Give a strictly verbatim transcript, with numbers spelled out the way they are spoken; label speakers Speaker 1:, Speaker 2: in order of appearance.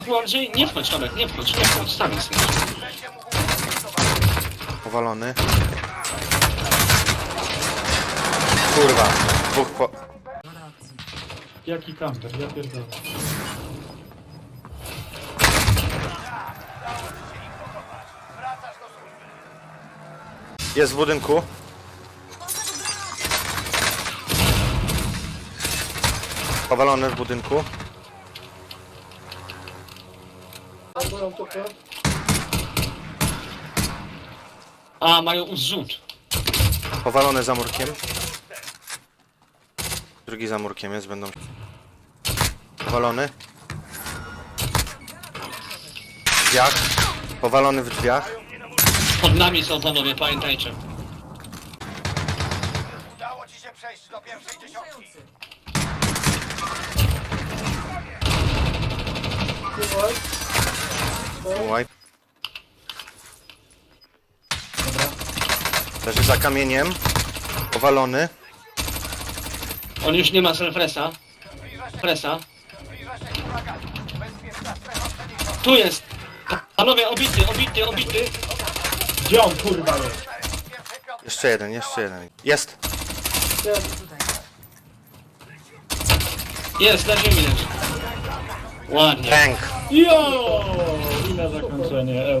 Speaker 1: Bardziej nie wchodź, Tomek, nie wchodź, nie wchodź, sam jesteś.
Speaker 2: Powalony. Kurwa, dwóch po...
Speaker 3: Jaki kamper, ja pierdolę.
Speaker 2: Jest w budynku. Powalony w budynku.
Speaker 1: A, mają zrzut.
Speaker 2: Powalony za murkiem. Drugi za murkiem jest, będą... Powalony. W drzwiach. Powalony w drzwiach.
Speaker 1: Pod nami są panowie, pamiętajcie.
Speaker 4: Udało ci się przejść do pierwszej dziesiątki.
Speaker 2: Wipe. Leży za kamieniem. Powalony.
Speaker 1: On już nie ma self-resa. Presa. Tu jest. Panowie, obity, obity, obity.
Speaker 3: Gdzie on kurwa jest?
Speaker 2: Jeszcze jeden, jeszcze jeden. Jest.
Speaker 1: Jest, na ziemi leży. Ładnie.
Speaker 2: Tank.
Speaker 3: Jo! I na zakończenie.